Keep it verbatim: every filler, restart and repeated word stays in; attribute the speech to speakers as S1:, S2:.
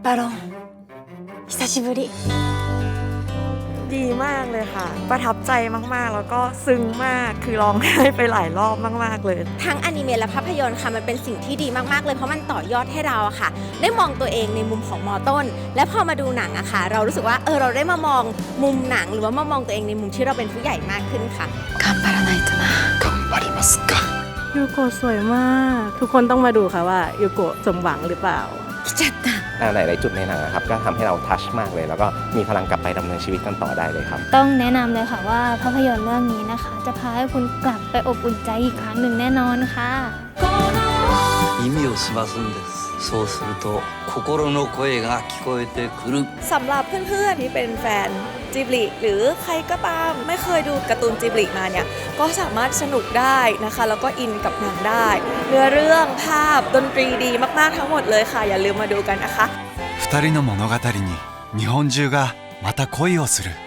S1: バロン久しぶり
S2: ดีมากเลยค่ะ ประทับใจมากๆแล้วก็ซึ้งมากคือร้องไห้ไปหลายรอบมากๆเลย
S3: ทั้งอนิเมะและภาพยนตร์ค่ะมันเป็นสิ่งที่ดีมากๆเลยเพราะมันต่อยอดให้เราอะค่ะได้มองตัวเองในมุมของมอต้นและพอมาดูหนังอะค่ะเรารู้สึกว่าเออเราได้มามองมุมหนังหรือว่ามามองตัวเองในมุมที่เราเป็นผู้ใหญ่มากขึ้นค่ะ
S1: 頑張らないとな
S4: 頑張りますか
S2: ยูโกะสวยมากทุกคนต้องมาดูค่ะว่ายูโกะสมหวังหรือเปล่า
S1: 来ちゃった
S5: หลายๆจุดในหนังนะครับก็ทำให้เราทัชมากเลยแล้วก็มีพลังกลับไปดำเนินชีวิตกันต่อได้เลยครับ
S6: ต้องแนะนำเลยค่ะว่าภาพยนตร์เรื่องนี้นะคะจะพาให้คุณกลับไปอบอุ่นใจอีกครั้งหนึ่งแน่นอนค่ะ
S7: 耳を澄ますんですそうすると心の声が聞こえてくる
S2: สำหรับเพื่อนๆที่เป็นแฟนจิบลิหรือใครก็ตามไม่เคยดูการ์ตูนจิบลิมาเนี่ยก็สามารถสนุกได้นะคะแล้วก็อินกับหนังได้เนื้อเรื่องภาพดนตรีดีมากๆทั้งหมดเลยค่ะอย่าลืมมาดูกันนะคะ
S4: 二人の物語に日本中がまた恋をする